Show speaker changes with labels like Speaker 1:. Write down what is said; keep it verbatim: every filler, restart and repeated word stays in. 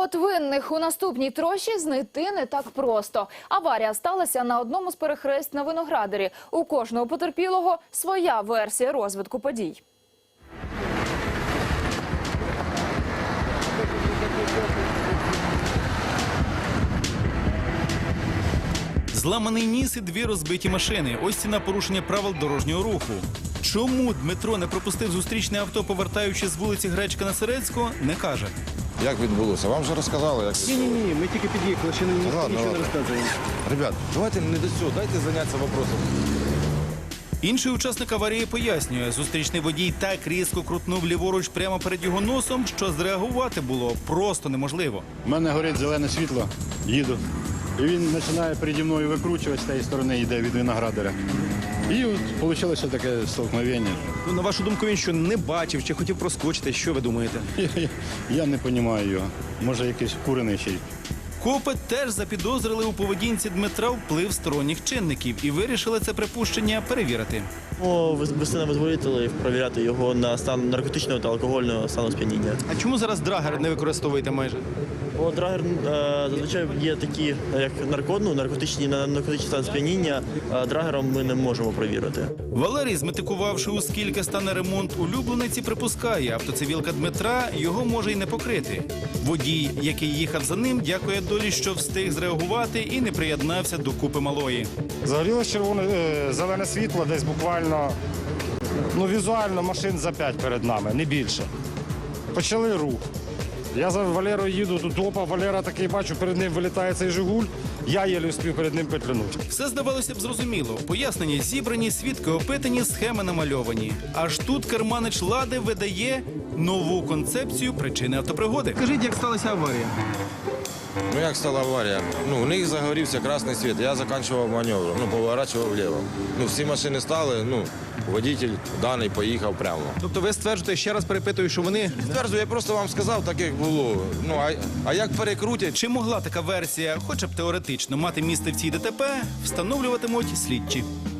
Speaker 1: от винних у наступній трощі знайти не так просто. Аварія сталася на одному з перехресть на Виноградарі. У кожного потерпілого своя версія розвитку подій.
Speaker 2: Зламаний ніс і дві розбиті машини. Ось ціна порушення правил дорожнього руху. Чому Дмитро не пропустив зустрічне авто, повертаючи з вулиці Гречка на Серецьку, не каже.
Speaker 3: Як відбулося? Вам вже розказали, як...
Speaker 4: Ні-ні-ні, ми тільки під'їхали, ще ніхто
Speaker 3: Ладно,
Speaker 4: нічого не
Speaker 3: ладно.
Speaker 4: розказує.
Speaker 3: Ребят, давайте не до цього, дайте зайнятися вопросом.
Speaker 2: Інший учасник аварії пояснює, зустрічний водій так різко крутнув ліворуч прямо перед його носом, що зреагувати було просто неможливо.
Speaker 4: У мене горить зелене світло, їду. І він починає переді мною викручувати з тієї сторони, йде від Виноградаря. І от вийшло таке столкновення.
Speaker 5: Ну, на вашу думку, він що, не бачив чи хотів проскочити? Що ви думаєте?
Speaker 4: Я, я, я не розумію його. Може, якийсь вкурений ще й.
Speaker 2: Копи теж запідозрили у поведінці Дмитра вплив сторонніх чинників і вирішили це припущення перевірити.
Speaker 6: Вести на визволителів, перевіряти його на стан наркотичного та алкогольного стану сп'яніння.
Speaker 5: А чому зараз драгер не використовуєте майже?
Speaker 6: Бо драгер е, зазвичай є такі, як нарко, ну, наркотичні на наркотичний стан сп'яніння, а драгером ми не можемо перевірити.
Speaker 2: Валерій, зметикувавши, у скільки стане ремонт улюблениці, припускає, автоцивілка Дмитра його може й не покрити. Водій, який їхав за ним, дякує долі, що встиг зреагувати і не приєднався до купи малої.
Speaker 7: Загорілось червоне, е, зелене світло десь буквально, ну візуально машин за п'ять перед нами, не більше. Почали рух. Я за Валерою їду, тут опа, Валера такий бачу, перед ним вилітає цей «Жигуль», я єлі успів перед ним петлянути.
Speaker 2: Все здавалося б зрозуміло. Пояснення зібрані, свідки опитані, схеми намальовані. Аж тут керманич «Лади» видає нову концепцію причини автопригоди.
Speaker 5: Скажіть, як сталася аварія?
Speaker 3: Ну як стала аварія? Ну, у них загорівся красний світ, я закінчував маневр, ну, поворачував вліво. Ну, всі машини стали, ну, водитель даний поїхав прямо.
Speaker 5: Тобто ви стверджуєте, ще раз перепитую, що вони...
Speaker 3: Стверджую, я просто вам сказав, так як було. Ну, а, а як перекрутять?
Speaker 2: Чи могла така версія, хоча б теоретично, мати місце в цій ДТП, встановлюватимуть слідчі.